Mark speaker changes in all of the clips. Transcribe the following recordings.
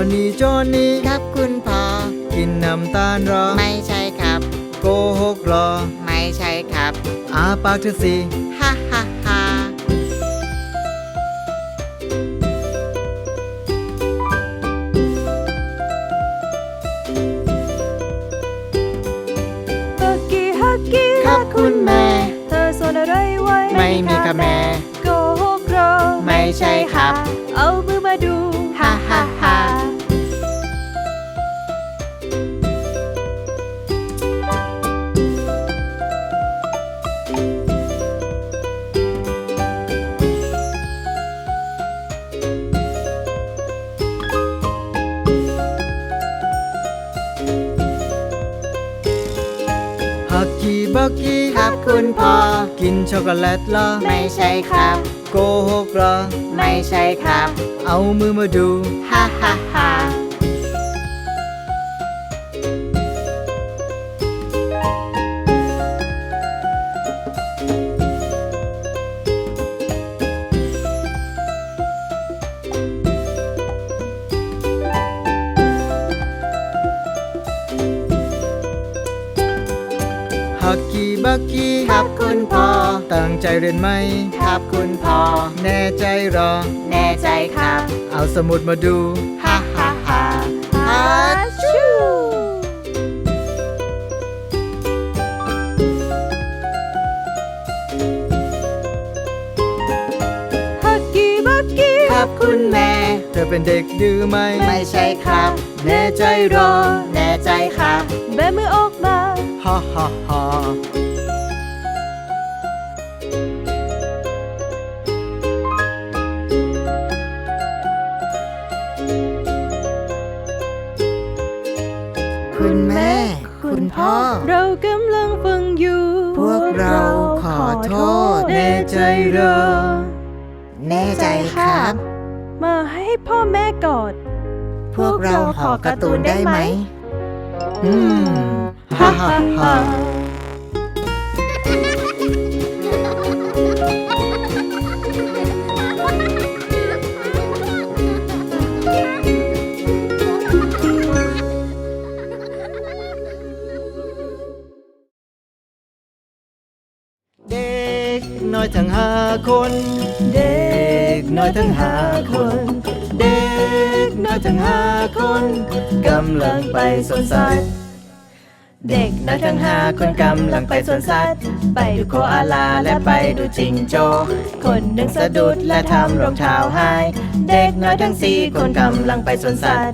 Speaker 1: นี่
Speaker 2: ครับคุณพ่อ
Speaker 1: กินน้ำตาลหรอ
Speaker 2: ไม่ใช่ครับ
Speaker 1: โกหกหรอ
Speaker 2: ไม่ใช่ครับ
Speaker 1: อาปากเธอสิ
Speaker 2: ฮ่าฮ่าฮ่า
Speaker 3: ฮักกี้ฮักกี้
Speaker 2: ครับคุณแม่
Speaker 3: เธอซ่อนอะไรไว้
Speaker 2: ไม่มีค่ะแม่
Speaker 3: โกหกเหรอ
Speaker 2: ไม่ใช่ครับ
Speaker 3: เอามือมาดู
Speaker 2: ฮ่าฮ่าฮ่า
Speaker 1: ฮักกี้บักกี้
Speaker 2: ครับคุณพ่อ
Speaker 1: กินช็อกโกแลตเหรอ
Speaker 2: ไม่ใช่ครับ
Speaker 1: โกหกเหรอ
Speaker 2: ไม่ใช่ครับ
Speaker 1: เอามือมาดู
Speaker 2: ฮ่าฮ่าฮ่า
Speaker 1: ฮักกี้บักกี้
Speaker 2: ครับคุณพ่อ
Speaker 1: ตั้งใจเรียนไหม
Speaker 2: ครับคุณพ่อ
Speaker 1: แน่ใจหรอ
Speaker 2: แน่ใจครับ
Speaker 1: เอาสมุดมาดู
Speaker 2: ฮ่าฮ่าฮ่า
Speaker 3: ฮัชูฮักกี้บักกี้
Speaker 2: ครับคุณแม่
Speaker 1: เธอเป็นเด็กดื้อไหม
Speaker 2: ไม่ใช่ครับ
Speaker 1: แน่ใจหรอ
Speaker 2: แน่ใจครับ
Speaker 3: แบมือออกมา
Speaker 1: ฮ่าฮ่าฮ่า
Speaker 2: คุณแม่คุณพ่อ
Speaker 3: เรากำลังฟังอยู่
Speaker 2: พวกเราขอโทษ
Speaker 1: แน่ใจหรอ
Speaker 2: แน่ใจครับ
Speaker 3: มาให้พ่อแม่กอด
Speaker 2: พวกเราขอการ์ตูนได้ไหม
Speaker 1: ฮ่าฮ่าฮ่าเด็กน้อยทั้ง5 คน
Speaker 3: เด็ก
Speaker 1: น้อยทั้ง5 คน เด็กน้อยทั้ง5 คนกำลังไปสวนสัตว์เด็กน้อยทั้ง5 คนกำลังไปสวนสัตว์ไปดูโคอาลาและไปดูจิงโจ้คนหนึ่งสะดุดและทำรองเท้าหายเด็กน้อยทั้ง4 คนกำลังไปสวนสัตว์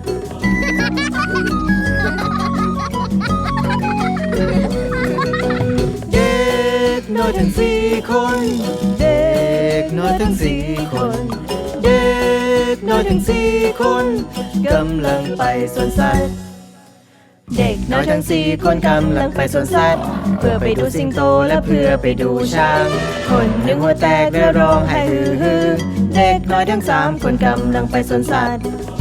Speaker 1: เด็กน้อยทั้ง4 คนเด็กน้อยทั้ง4 คนเด็กน้อยทั้ง4 คนกำลังไปสวนสัตว์เด็กน้อยทั้ง4 คนกำลังไปสวนสัตว์เพื่อไปดูสิงโตและเพื่อไปดูช้างคนหนึ่งหัวแตกและร้องไห้ฮือฮือเด็กน้อยทั้ง3 คนกำลังไปสวนสัตว์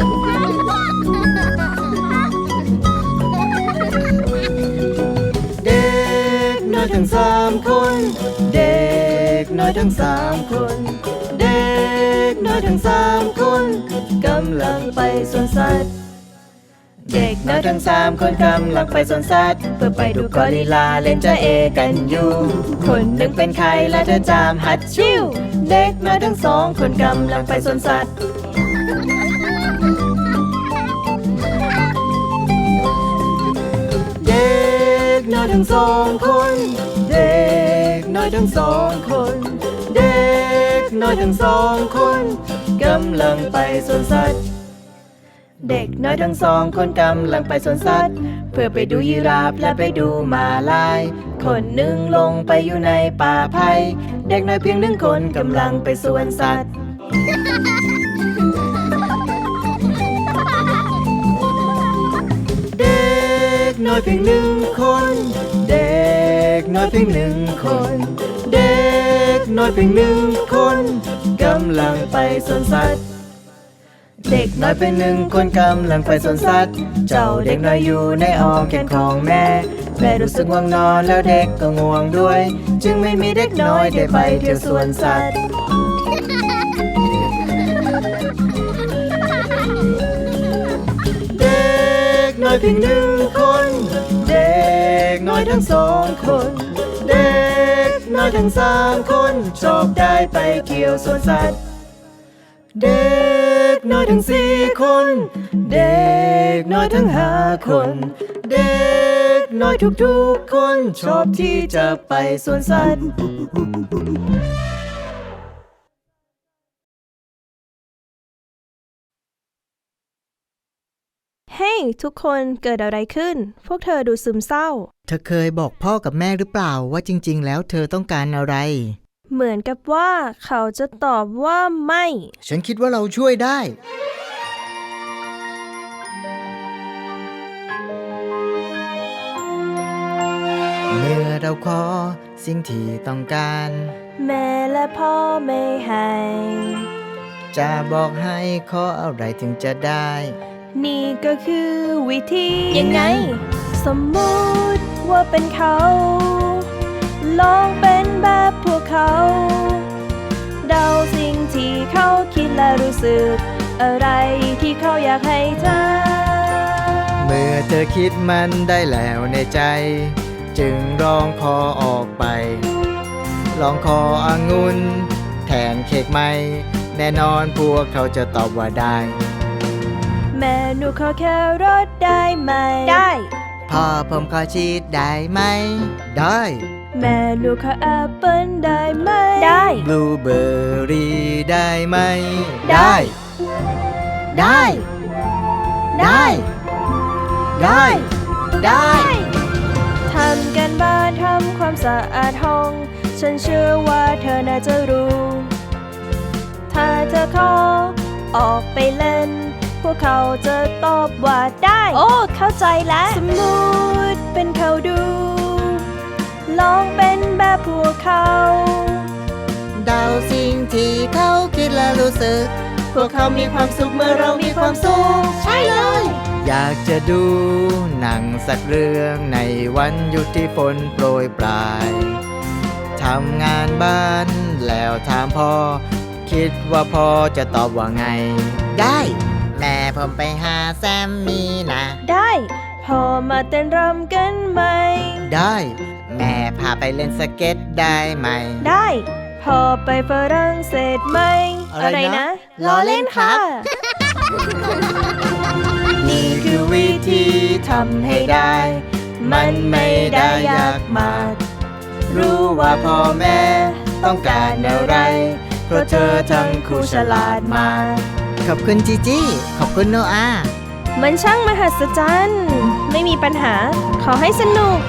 Speaker 1: เด็กน้อยทั้ง3 คนเด็กน้อยทั้ง3 คนเด็กน้อยทั้ง3 คนกำลังไปสวนสัตว์เด็กน้อยทั้ง3 คนกำลังไปสวนสัตว์เพื่อไปดูกอริลลาเล่นจ้าเอกันอยู่คนหนึ่งเป็นไข้และเธอจามฮัดชิวเด็กน้อยทั้ง2 คนกำลังไปสวนสัตว์เด็กน้อยทั้ง2 คนเด็กน้อยทั้ง2 คนเด็กน้อยทั้ง2 คนกำลังไปสวนสัตว์เด็กน้อยทั้ง2 คนกำลังไปสวนสัตว์เพื่อไปดูยีราฟและไปดูม้าลายคนหนึ่งลงไปอยู่ในป่าไผ่เด็กน้อยเพียง1 คนกำลังไปสวนสัตว์เด็กน้อยเพียง1 คนเด็กน้อยเพียง1 คนเด็กน้อยเพียง1 คนกำลังไปสวนสัตว์เด็กน้อยเป็น1 คนกำลังไปสวนสัตว์เจ้าเด็กน้อยอยู่ในอ้อมแขนของแม่รู้สึกง่วงนอนแล้วเด็กก็ง่วงด้วยจึงไม่มีเด็กน้อยได้ไปเที่ยวสวนสัตว์เอยเพียงหนึ่งคน เด็กน้อยทั้งสองคน เด็กน้อยทั้งสามคนชอบได้ไปเที่ยวสวนสัตว์ เด็กน้อยทั้งสี่คน เด็กน้อยทั้งห้าคน เด็กน้อยทุกๆคนชอบที่จะไปสวนสัตว์
Speaker 3: เฮ้ยทุกคนเกิดอะไรขึ้น พวกเธอดูซึมเศร้า
Speaker 1: เธอเคยบอกพ่อกับแม่หรือเปล่าว่าจริงๆแล้วเธอต้องการอะไร
Speaker 3: เหมือนกับว่าเขาจะตอบว่าไม่
Speaker 1: ฉันคิดว่าเราช่วยได้ เมื่อเราขอสิ่งที่ต้องการ
Speaker 3: แม่และพ่อไม่ให้
Speaker 1: จะบอกให้ขออะไรถึงจะได้
Speaker 3: นี่ก็คือวิธี
Speaker 1: ยังไง
Speaker 3: สมมุติว่าเป็นเขา ลองเป็นแบบพวกเขา เดาสิ่งที่เขาคิดและรู้สึก อะไรที่เขาอยากให้เธอ
Speaker 1: เมื่อเธอคิดมันได้แล้วในใจ จึงร้องขอออกไป ลองขอองุ่นแทนเค้กไหม แน่นอนพวกเขาจะตอบว่าได้
Speaker 3: แม่หนูขอแค่รถได้ไหม ได้
Speaker 1: พ่อผมขอชีสได้ไหม ได้
Speaker 3: แม่หนูขอแอปเปิ้ลได้ไหม ได้
Speaker 1: บลูเบอร์รี่ได้ไหม
Speaker 3: ได้
Speaker 1: ได้ ได้ ได้ ได้
Speaker 3: ทำกันบ้านทำความสะอาดห้อง ฉันเชื่อว่าเธอน่าจะรู้ ถ้าเธอขอออกไปเล่น พวกเขาจะตอบว่าได้ โอ้ เข้าใจแล้ว สมมุติเป็นเขาดู ลองเป็นแบบพวกเขา
Speaker 1: เดาสิ่งที่เขาคิดและรู้สึก พวกเขามีความสุขเมื่อเรามีความสุข
Speaker 3: ใช่เลย
Speaker 1: อยากจะดูหนังสักเรื่องในวันหยุดที่ฝนโปรยปลาย ทำงานบ้านแล้วถามพ่อ คิดว่าพ่อจะตอบว่าไง ได้ แม่ผมไปหาแซมมี่นะ
Speaker 3: ได้พอมาเต้นรำกันไหม
Speaker 1: ได้ แม่พาไปเล่นสเก็ตได้ไหม
Speaker 3: ได้พอไปฝรั่งเศสไหม
Speaker 1: อะไรนะ
Speaker 3: ล้อเล่นค่ะ
Speaker 1: นี่คือวิธีทำให้ได้ มันไม่ได้ยากมาก รู้ว่าพ่อแม่ต้องการอะไร เพราะเธอทั้งคู่ฉลาดมาก ขอบคุณจีจี้ ขอบคุณโนอา
Speaker 3: มันช่างมหัศจรรย์ ไม่มีปัญหา ขอให้สนุก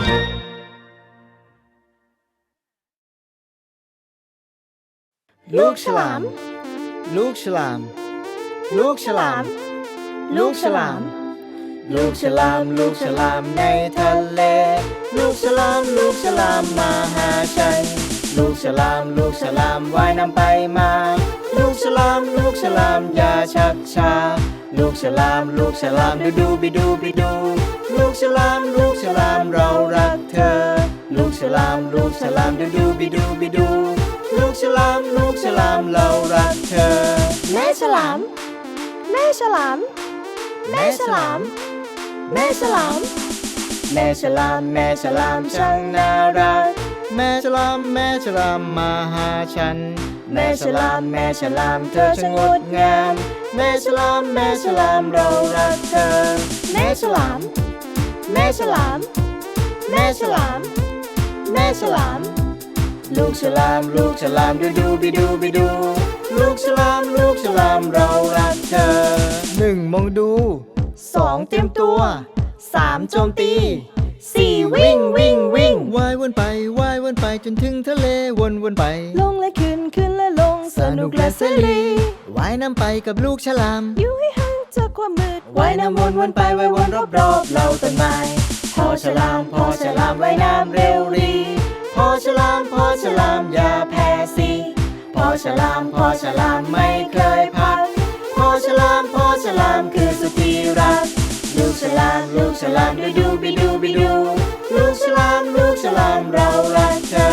Speaker 1: ลูกฉลาม ลูกฉลาม ลูกฉลาม ลูกฉลาม ลูกฉลาม ลูกฉลามในทะเล ลูกฉลาม ลูกฉลามมาหาฉัน ลูกฉลาม ลูกฉลามว่ายน้ำไปมา ลูกฉลาม ลูกฉลามอย่าชักช้า ลูกฉลาม ลูกฉลามดูดูบิดูบิดู ลูกฉลาม ลูกฉลามเรารักเธอ ลูกฉลาม ลูกฉลามดูดูบิดูบิดู ลูกฉลาม ลูกฉลามเรารักเธอ
Speaker 3: แม่ฉลาม แม่ฉลาม แม่ฉลาม แม่ฉลาม
Speaker 1: แม่ฉลาม แม่ฉลามช่างน่ารัก แม่ฉลาม แม่ฉลามมาหาฉัน แม่ฉลาม แม่ฉลามเธอช่างงดงาม แม่ฉลาม แม่ฉลามเรารักเธอ
Speaker 3: แม่ฉลาม แม่ฉลาม แม่ฉลาม แม่ฉลาม
Speaker 1: ลูกฉลาม ลูกฉลามดูดูบิดูบิดู ลูกฉลาม ลูกฉลามเรารักเธอ 1. มองดู 2. เตรียมตัว 3. โจมตี 4. วิ่งวิ่งวิ่งว่ายวนไปว่ายวนไปจนถึงทะเลวนวนไป
Speaker 3: ลงและขึ้นขึ้นและลง สนุกและเสรี
Speaker 1: ว่ายน้ำไปกับลูกฉลาม
Speaker 3: อยู่ให้ห่างจากความมืด
Speaker 1: ว่ายน้ำวนวนไปว่ายวนรอบรอบเราต้นไม้พอฉลามพอฉลามว่ายน้ำเร็วรีพอฉลามพอฉลามอย่าแพ้สิพอฉลามพอฉลามไม่เคยพักพอฉลามพอฉลามคือสุดที่รักลูกฉลาม ลูกฉลามดูดูบิดูบิดู ลูกฉลาม ลูกฉลามเรารักเธอ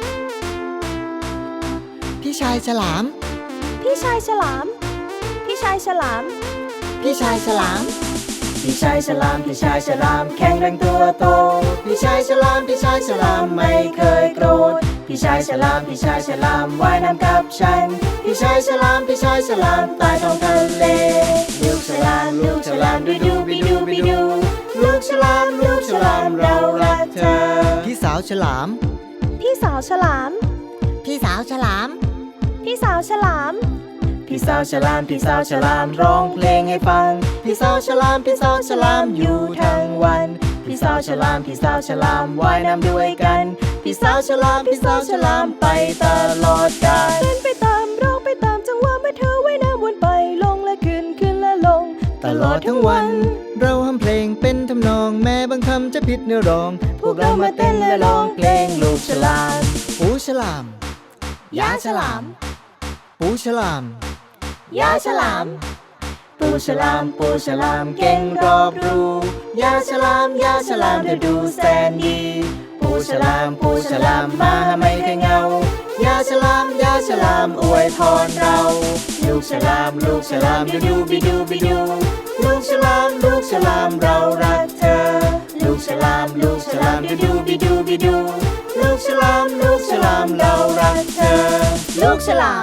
Speaker 1: พี่ชายฉลาม
Speaker 3: พี่ชายฉลาม พี่ชายายฉลาม
Speaker 2: พี่ชายฉลาม
Speaker 1: พี่ชายฉลามพี่ชายฉลามแข็งแรงตัวโตพี่ชายฉลามพี่ชายฉลามไม่เคยโกรธพี่ชายฉลามพี่ชายฉลามว่ายน้ำกับฉันพี่ชายฉลามพี่ชายฉลามใต้ท้องทะเลลูกฉลามดูดูบิดูบิดูลูกฉลามเรารักเธอพี่สาวฉลาม
Speaker 3: พี่สาวฉลาม
Speaker 2: พี่สาวฉลาม
Speaker 3: พี่สาวฉลาม
Speaker 1: พี่สาวฉลามพี่สาวฉลามร้องเพลงให้ฟังพี่สาวฉลามอยู่ทั้งวันพี่สาวฉลามว่ายน้ำด้วยกันพี่สาวฉลามไปตลอดกาล
Speaker 3: เต้นไปตามร้องไปตามจังหวะเมื่อเธอว่ายน้ำวนไปลงและขึ้นและลง
Speaker 1: ตลอดทั้งวัน เราทำเพลงเป็นทำนองแม้บางคำจะผิดเนื้อร้อง พวกเรามาเต้นและร้องเพลงลูกฉลามปูฉลาม
Speaker 2: ยาฉลาม
Speaker 1: ปูฉลาม
Speaker 2: ยาฉลาม
Speaker 1: ปูฉลามเก่งรอบรู้ยาฉลามเธอดูแสนดีปูฉลามมาไม่เคยเหงายาฉลามอวยพรเราลูกฉลามดูดูบิดูบิดูลูกฉลามเรารักเธอลูกฉลามดูดูบิดูบิดูลูกฉลามเรารักเธอลูกฉลาม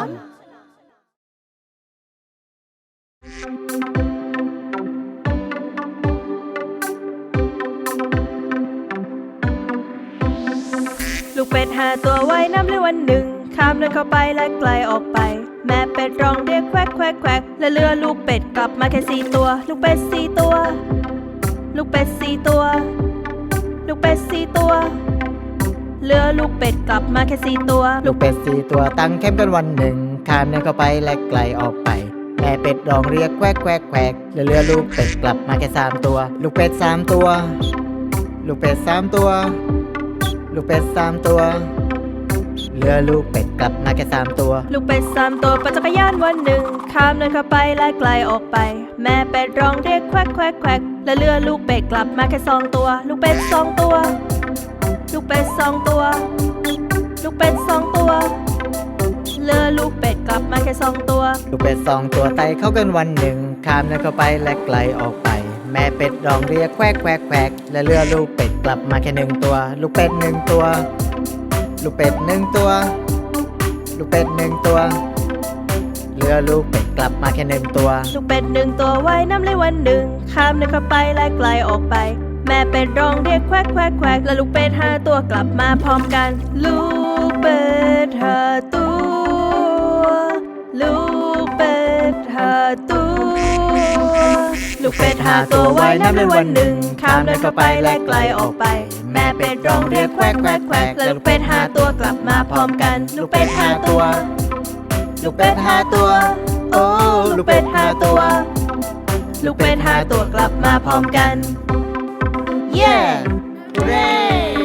Speaker 3: ลูกเป็ด5 ตัวว่ายน้ำเลยวันหนึ่งข้ามเดินเข้าไปและไกลออกไป แม่เป็ดร้องเรียกแควกแควกแควกและเรือลูกเป็ดกลับมาแค่4 ตัว ลูกเป็ด4 ตัว ลูกเป็ด4 ตัว ลูกเป็ด4 ตัวเรือลูกเป็ดกลับมาแค่4 ตัว
Speaker 1: ลูกเป็ด4 ตัวตั้งแคมป์กันวันหนึ่งข้ามเดินเข้าไปและไกลออกไปแม่เป็ดร้องเรียกแควกแควกแควกและเรือลูกเป็ดกลับมาแค่3 ตัว ลูกเป็ด3 ตัว ลูกเป็ด3 ตัว ลูกเป็ด3 ตัวเรือลูกเป็ดกลับมาแค่3 ตัว
Speaker 3: ลูกเป็ด3 ตัวปั่นจักรยานวันหนึ่งข้ามเดินเข้าไปและไกลออกไป แม่เป็ดร้องเรียกแควกแควกแควกและเรือลูกเป็ดกลับมาแค่2 ตัว ลูกเป็ด2 ตัว ลูกเป็ด2 ตัว ลูกเป็ด2 ตัวเรือลูกเป็ดกลับมาแค่2 ตัว
Speaker 1: ลูกเป็ด2 ตัวไต่เข้ากันวันหนึ่งข้ามเดินเข้าไปและไกลออกไปแม่เป็ดร้องเรียกแควกแควกแควกและเรือลูกเป็ดกลับมาแค่1 ตัว ลูกเป็ด1 ตัว ลูกเป็ด1 ตัว ลูกเป็ด1 ตัวเรือลูกเป็ดกลับมาแค่1 ตัว
Speaker 3: ลูกเป็ด1 ตัวว่ายน้ำเลยวันหนึ่งข้ามเดินเข้าไปและไกลออกไป แม่เป็ดร้องเรียกแควกแควกแควกและลูกเป็ด5 ตัวกลับมาพร้อมกัน ลูกเป็ด5 ตัว ลูกเป็ด5 ตัว ลูกเป็ด5 ตัวว่ายน้ำเลยวันหนึ่งข้ามเดินเข้าไปและไกลออกไป แม่เป็ดร้องเรียกแควกแควกแควกและลูกเป็ด5 ตัวกลับมาพร้อมกัน ลูกเป็ด5 ตัว
Speaker 1: ลูกเป็ด5 ตัวโอ้ลูกเป็ด5 ตัว
Speaker 3: ลูกเป็ด5 ตัวกลับมาพร้อมกัน
Speaker 1: เย้เร่